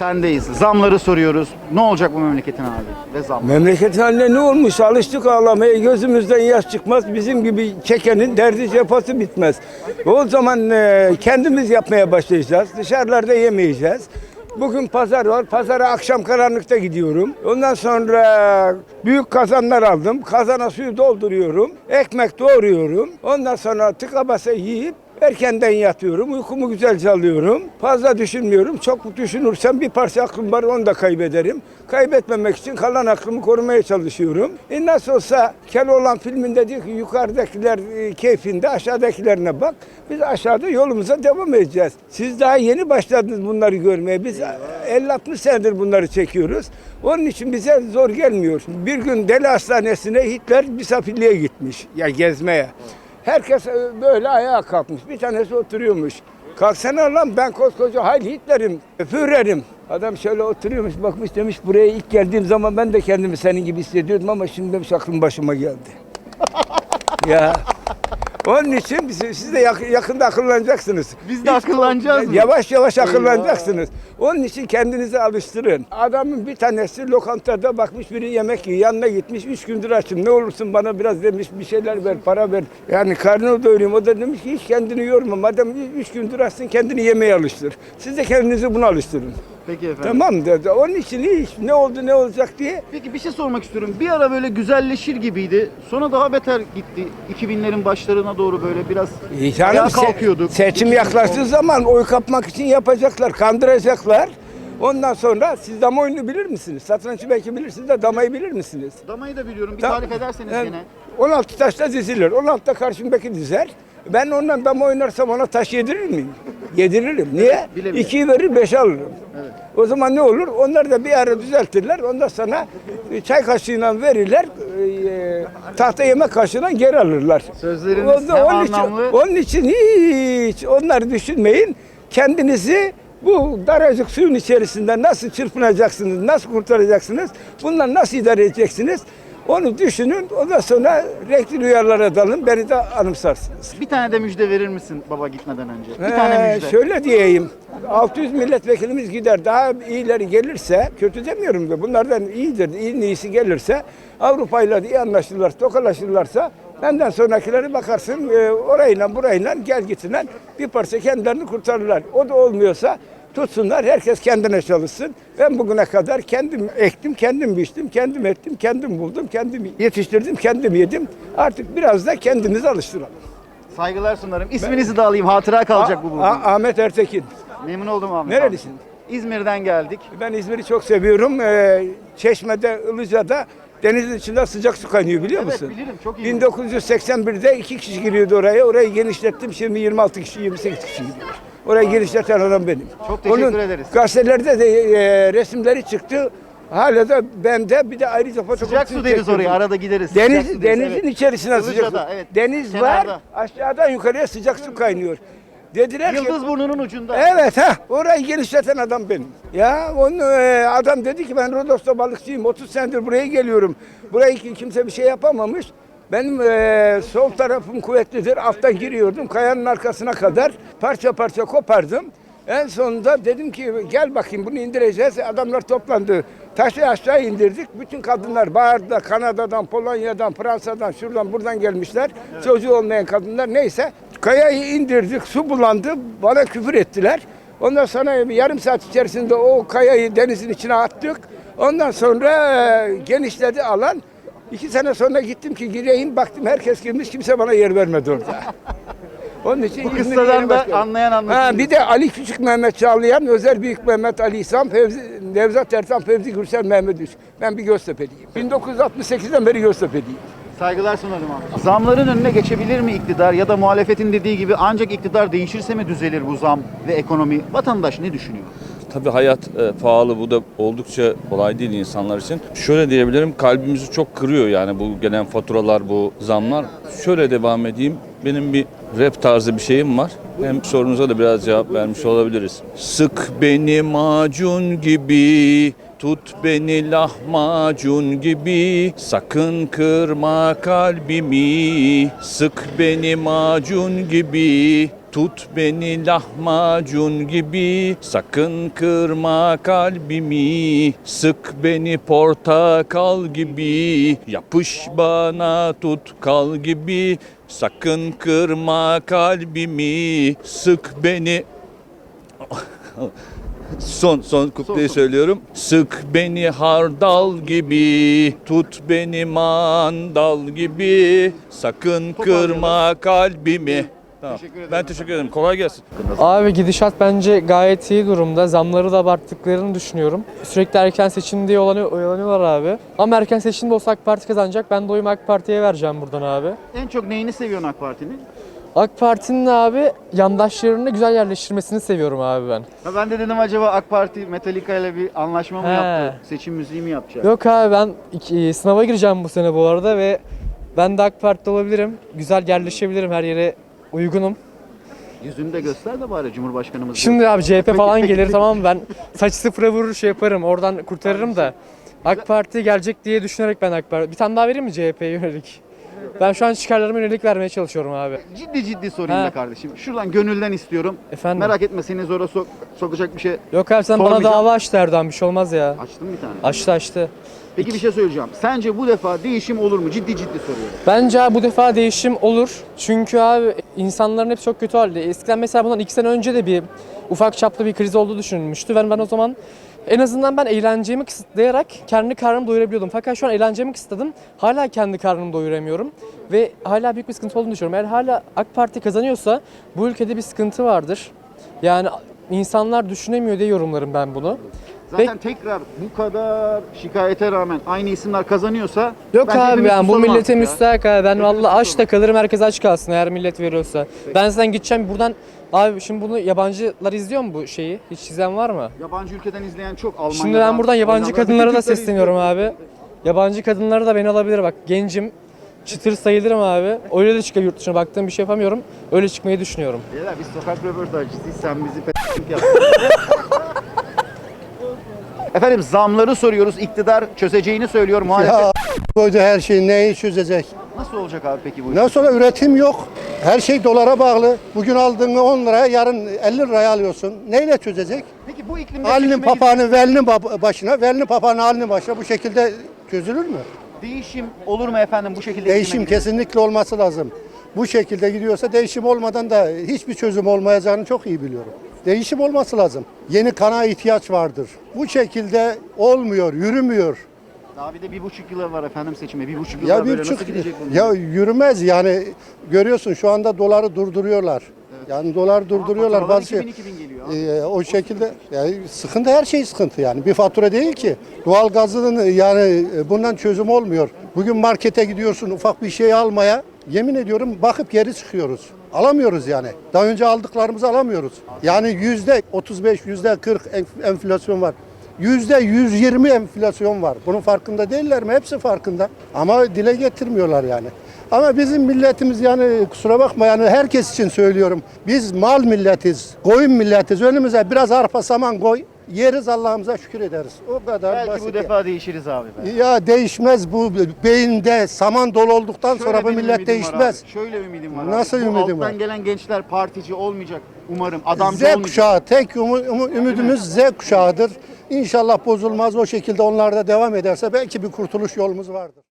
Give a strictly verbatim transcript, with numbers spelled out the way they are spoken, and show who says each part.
Speaker 1: Sendeyiz. Zamları soruyoruz. Ne olacak bu memleketin hali ve zam?
Speaker 2: Memleketin haline ne olmuş? Alıştık ağlamaya. Gözümüzden yaş çıkmaz. Bizim gibi çekenin derdi cefası bitmez. O zaman e, kendimiz yapmaya başlayacağız. Dışarılarda yemeyeceğiz. Bugün pazar var. Pazara akşam karanlıkta gidiyorum. Ondan sonra büyük kazanlar aldım. Kazana suyu dolduruyorum. Ekmek doğruyorum. Ondan sonra tıka basa yiyip erkenden yatıyorum. Uykumu güzelce alıyorum. Fazla düşünmüyorum. Çok düşünürsem bir parça aklım var, onu da kaybederim. Kaybetmemek için kalan aklımı korumaya çalışıyorum. E nasıl olsa Keloğlan filminde diyor ki yukarıdakiler e, keyfinde, aşağıdakilerine bak. Biz aşağıda yolumuza devam edeceğiz. Siz daha yeni başladınız bunları görmeye. Biz elli altmış senedir bunları çekiyoruz. Onun için bize zor gelmiyor. Bir gün deli hastanesine Hitler misafirliğe gitmiş. Ya gezmeye. Herkes böyle ayağa kalkmış. Bir tanesi oturuyormuş. Kalksana lan, ben koskoca Heil Hitler'im, Führer'im. Adam şöyle oturuyormuş, bakmış, demiş buraya ilk geldiğim zaman ben de kendimi senin gibi hissediyordum ama şimdi demiş aklım başıma geldi. Ya onun için siz, siz de yakında akıllanacaksınız.
Speaker 1: Biz de akıllanacağız mı?
Speaker 2: Yavaş yavaş akıllanacaksınız. Onun için kendinizi alıştırın. Adamın bir tanesi lokantada bakmış biri yemek yiyor. Yanına gitmiş, üç gündür açım. Ne olursun bana biraz demiş, bir şeyler ver, para ver. Yani karnını doyurayım. O da demiş ki hiç kendini yorma. Madem üç gündür açsın, kendini yemeye alıştır. Siz de kendinizi buna alıştırın.
Speaker 1: Peki efendim.
Speaker 2: Tamam dedi. Onun için hiç ne oldu ne olacak diye.
Speaker 1: Peki bir şey sormak istiyorum. Bir ara böyle güzelleşir gibiydi. Sonra daha beter gitti. iki binlerin başlarına doğru böyle biraz
Speaker 2: E
Speaker 1: ayağa
Speaker 2: canım, se-
Speaker 1: kalkıyorduk.
Speaker 2: seçim yaklaştığı zaman oy kapmak için yapacaklar, kandıracaklar. Ondan sonra siz dama oyunu bilir misiniz? Satrançı belki bilirsiniz de damayı bilir misiniz?
Speaker 1: Damayı da biliyorum. Bir
Speaker 2: Da-
Speaker 1: tarif ederseniz
Speaker 2: Yani
Speaker 1: gene.
Speaker 2: on altı taşla dizilir. on altıda karşımdaki dizer. Ben ondan dama oynarsam ona taş yedirir miyim? Yediririm. Niye?
Speaker 1: bilemiyorum.
Speaker 2: İkiyi verir, beşi alırım.
Speaker 1: Evet.
Speaker 2: O zaman ne olur? Onlar da bir ara düzeltirler. Ondan sonra çay kaşığıyla verirler. E, tahta yemek kaşığıyla geri alırlar.
Speaker 1: Sözleriniz
Speaker 2: O-
Speaker 1: hem
Speaker 2: onun için,
Speaker 1: anlamlı.
Speaker 2: onun için hiç onları düşünmeyin. Kendinizi bu daracık suyun içerisinde nasıl çırpınacaksınız, nasıl kurtaracaksınız, bundan nasıl idare edeceksiniz? Onu düşünün, ondan sonra renkli rüyalara dalın, beni de anımsarsınız.
Speaker 1: Bir tane de müjde verir misin baba gitmeden önce? Bir
Speaker 2: Ee,
Speaker 1: tane müjde.
Speaker 2: Şöyle diyeyim, altı yüz milletvekilimiz gider, daha iyileri gelirse, kötü demiyorum da bunlardan iyidir, iyi iyisi gelirse, Avrupa'yla iyi anlaşırlar, tokalaşırlarsa, benden sonrakileri bakarsın e, orayla burayla gel gitsinler bir parça kendilerini kurtarırlar. O da olmuyorsa tutsunlar, herkes kendine çalışsın. Ben bugüne kadar kendim ektim, kendim biçtim, kendim ettim, kendim buldum, kendim yetiştirdim, kendim yedim. Artık biraz da kendimizi alıştıralım.
Speaker 1: Saygılar sunarım. İsminizi de alayım. Hatıra kalacak bu bugün.
Speaker 2: A- Ahmet Ertekin.
Speaker 1: Memnun oldum Ahmet
Speaker 2: Nerelisin?
Speaker 1: abi. İzmir'den geldik.
Speaker 2: Ben İzmir'i çok seviyorum. Ee, Çeşme'de, Ilıca'da denizin içinde sıcak su kaynıyor, biliyor
Speaker 1: Evet,
Speaker 2: musun?
Speaker 1: bilirim, çok iyi.
Speaker 2: bin dokuz yüz seksen birde iki kişi giriyordu oraya. Orayı genişlettim. Şimdi yirmi altı kişi, yirmi sekiz kişi gidiyor. Orayı genişleten adam benim.
Speaker 1: Çok teşekkür
Speaker 2: Onun
Speaker 1: ederiz.
Speaker 2: gazetelerde de e, resimleri çıktı. Hala da bende bir de ayrıca fotoğrafını
Speaker 1: Sıcak su deriz
Speaker 2: çektirdim.
Speaker 1: oraya. Arada gideriz. Sıcak
Speaker 2: Deniz,
Speaker 1: su deriz,
Speaker 2: denizin
Speaker 1: evet.
Speaker 2: içerisine sıcak su.
Speaker 1: Ilıca'da, evet.
Speaker 2: Deniz
Speaker 1: Kenarda.
Speaker 2: var, aşağıdan yukarıya sıcak su kaynıyor. Dediler ki,
Speaker 1: Yıldız burnunun ucunda.
Speaker 2: evet ha, orayı genişleten adam benim. Ya onun e, adam dedi ki ben Rodos'ta balıkçıyım, otuz senedir buraya geliyorum. Burayı ki- kimse bir şey yapamamış. Benim e, sol tarafım kuvvetlidir. Alttan giriyordum kayanın arkasına kadar parça parça kopardım. En sonunda dedim ki gel bakayım bunu indireceğiz. Adamlar toplandı. Taşı aşağı indirdik. Bütün kadınlar bağırdı. Kanada'dan, Polonya'dan, Fransa'dan, şuradan buradan gelmişler. Evet. Çocuğu olmayan kadınlar neyse. Kayayı indirdik. Su bulandı. Bana küfür ettiler. Ondan sonra bir yarım saat içerisinde o kayayı denizin içine attık. Ondan sonra e, genişledi alan. İki sene sonra gittim ki gireyim. Baktım herkes girmiş. Kimse bana yer vermedi orada. Onun için
Speaker 1: Bu
Speaker 2: İzmir'e
Speaker 1: kıssadan
Speaker 2: yeni
Speaker 1: da
Speaker 2: başladım.
Speaker 1: anlayan anlaşılır.
Speaker 2: Ha, bir de Ali Küçük Mehmet Çağlayan, Özel Büyük Mehmet Ali İhsan, Fevzi, Nevzat Ertan, Fevzi Gürsel, Mehmet Üç. Ben bir Göztepe'liyim. bin dokuz yüz altmış sekizden beri Göztepe'liyim.
Speaker 1: Saygılar sunarım abi. Zamların önüne geçebilir mi iktidar ya da muhalefetin dediği gibi ancak iktidar değişirse mi düzelir bu zam ve ekonomi? Vatandaş ne düşünüyor?
Speaker 3: Tabii hayat e, pahalı, bu da oldukça kolay değil insanlar için. Şöyle diyebilirim, kalbimizi çok kırıyor yani bu gelen faturalar, bu zamlar. Şöyle devam edeyim, benim bir rap tarzı bir şeyim var. Hem sorunuza da biraz cevap vermiş olabiliriz. Sık beni macun gibi, tut beni lahmacun gibi, sakın kırma kalbimi. Sık beni macun gibi, Tut beni lahmacun gibi, sakın kırma kalbimi. Sık beni portakal gibi, yapış bana tut kal gibi. Sakın kırma kalbimi, sık beni. Son son kupleyi
Speaker 1: son.
Speaker 3: söylüyorum. Sık beni hardal gibi, tut beni mandal gibi. Sakın kırma kalbimi. Tamam.
Speaker 1: Teşekkür ederim.
Speaker 3: Ben teşekkür ederim. Kolay gelsin.
Speaker 4: Abi gidişat bence gayet iyi durumda. Zamları da abarttıklarını düşünüyorum. Sürekli erken seçim diye oyalanıyor- oyalanıyorlar abi. Ama erken seçimde olsa AK Parti kazanacak. Ben de oyumu AK Parti'ye vereceğim buradan abi.
Speaker 1: En çok neyini seviyorsun AK Parti'nin?
Speaker 4: AK Parti'nin abi yandaşlarını güzel yerleştirmesini seviyorum abi ben.
Speaker 1: Ha ben de dedim acaba AK Parti Metallica ile bir anlaşma mı
Speaker 4: He.
Speaker 1: yaptı? Seçim müziği mi yapacak?
Speaker 4: Yok abi ben iki- sınava gireceğim bu sene bu arada ve ben de AK Parti'de olabilirim. Güzel yerleşebilirim, her yere uygunum.
Speaker 1: Yüzünü de göster de bari Cumhurbaşkanımız.
Speaker 4: Şimdi abi C H P
Speaker 1: Peki,
Speaker 4: falan
Speaker 1: peki,
Speaker 4: gelir
Speaker 1: peki.
Speaker 4: tamam mı? Ben saç sıfıra vurur şey yaparım, oradan kurtarırım da. AK Parti gelecek diye düşünerek ben AK Parti... Bir tane daha vereyim mi C H P'ye yönelik? Ben şu an çıkarlarıma yönelik vermeye çalışıyorum abi.
Speaker 1: Ciddi ciddi sorayım
Speaker 4: He.
Speaker 1: da kardeşim. Şuradan gönülden istiyorum.
Speaker 4: Efendim?
Speaker 1: Merak etme seni zora sok- sokacak bir şey.
Speaker 4: Yok abi sen bana
Speaker 1: Sormayacağım.
Speaker 4: dava açtı Erdoğan, bir şey olmaz ya.
Speaker 1: Açtım bir tane.
Speaker 4: Açtı açtı.
Speaker 1: Peki bir şey söyleyeceğim. Sence bu defa değişim olur mu? Ciddi ciddi soruyorum.
Speaker 4: Bence abi bu defa değişim olur. Çünkü abi insanların hep çok kötü halde. Eskiden mesela bundan iki sene önce de bir ufak çaplı bir kriz olduğu düşünülmüştü. Ben ben o zaman en azından ben eğlencemi kısıtlayarak kendi karnımı doyurabiliyordum. Fakat şu an eğlencemi kısıtladım. Hala kendi karnımı doyuramıyorum. Ve hala büyük bir sıkıntı olduğunu düşünüyorum. Eğer hala AK Parti kazanıyorsa bu ülkede bir sıkıntı vardır. Yani insanlar düşünemiyor diye yorumlarım ben bunu.
Speaker 1: Zaten tekrar bu kadar şikayete rağmen aynı isimler kazanıyorsa
Speaker 4: Yok
Speaker 1: bence
Speaker 4: abi
Speaker 1: hepimiz
Speaker 4: yani bu
Speaker 1: susalım
Speaker 4: millete
Speaker 1: artık ya.
Speaker 4: müstahak abi. Ben
Speaker 1: Hepimiz
Speaker 4: vallahi aç
Speaker 1: susalım.
Speaker 4: da kalırım, herkes aç kalsın eğer millet veriyorsa. Ben zaten gideceğim buradan abi, şimdi bunu yabancılar izliyor mu bu şeyi? Hiç izleyen var mı?
Speaker 1: Yabancı ülkeden izleyen çok Almanya'dan.
Speaker 4: Şimdi ben buradan yabancı
Speaker 1: Hollanda'dan,
Speaker 4: kadınlara da
Speaker 1: bütün Türkleri
Speaker 4: sesleniyorum
Speaker 1: izliyorum.
Speaker 4: abi. Yabancı kadınlara da beni alabilir bak. Gencim, çıtır sayılırım abi. Öyle de çıkıyor, yurt dışına baktığım bir şey yapamıyorum. Öyle çıkmayı düşünüyorum.
Speaker 1: Beyler biz sokak röportajcısıyız, sen bizi p***lik yap. Efendim zamları soruyoruz. İktidar çözeceğini söylüyor. Muhalefet
Speaker 5: Ya koydu her şeyi neyi çözecek?
Speaker 1: nasıl olacak abi peki bu iş?
Speaker 5: Nasıl sonra üretim yok. Her şey dolara bağlı. Bugün aldığını on liraya yarın elli liraya alıyorsun. Neyle çözecek?
Speaker 1: Peki bu iklimde
Speaker 5: Halinin
Speaker 1: seçime
Speaker 5: papağanı velinin bab- başına, velinin papağanı halinin başına bu şekilde çözülür mü?
Speaker 1: gidip değişim olur mu efendim bu şekilde?
Speaker 5: Değişim
Speaker 1: iklime gidip?
Speaker 5: kesinlikle olması lazım. Bu şekilde gidiyorsa değişim olmadan da hiçbir çözüm olmayacağını çok iyi biliyorum. Değişim olması lazım. Yeni kana ihtiyaç vardır. Bu şekilde olmuyor, yürümüyor.
Speaker 1: Daha bir de bir buçuk yılı var efendim seçime. Bir buçuk yıla
Speaker 5: Ya
Speaker 1: böyle
Speaker 5: bir
Speaker 1: nasıl
Speaker 5: buçuk
Speaker 1: gidecek bunlar?
Speaker 5: ya yürümez yani görüyorsun şu anda doları durduruyorlar. Yani dolar durduruyorlar
Speaker 1: faturalar
Speaker 5: bazı
Speaker 1: iki bin iki bin geliyor abi.
Speaker 5: Ee, o şekilde yani sıkıntı, her şey sıkıntı yani. Bir fatura değil ki. Doğal gazının yani bundan çözüm olmuyor. Bugün markete gidiyorsun ufak bir şey almaya. Yemin ediyorum bakıp geri çıkıyoruz. Alamıyoruz yani. Daha önce aldıklarımızı alamıyoruz. Yani yüzde otuz beş, yüzde kırk enf- enflasyon var. Yüzde yüz yirmi enflasyon var. Bunun farkında değiller mi? Hepsi farkında. Ama dile getirmiyorlar yani. Ama bizim milletimiz yani kusura bakma yani herkes için söylüyorum. Biz mal milletiz, koyun milletiz. Önümüze biraz arpa saman koy. Yeriz, Allah'ımıza şükür ederiz. O kadar
Speaker 1: Belki
Speaker 5: basit.
Speaker 1: bu defa değişiriz abi. be.
Speaker 5: Ya değişmez bu beyinde saman dolu olduktan
Speaker 1: Şöyle
Speaker 5: sonra bu
Speaker 1: benim
Speaker 5: millet
Speaker 1: ümidim var
Speaker 5: değişmez.
Speaker 1: abi, Şöyle ümidim var.
Speaker 5: Nasıl
Speaker 1: abi. Bu
Speaker 5: ümidim
Speaker 1: alttan
Speaker 5: var?
Speaker 1: gelen gençler partici olmayacak umarım. Adamcı
Speaker 5: Z
Speaker 1: olmayacak.
Speaker 5: kuşağı tek umu- umu- ümidimiz Z kuşağıdır. İnşallah bozulmaz, o şekilde onlar da devam ederse belki bir kurtuluş yolumuz vardır.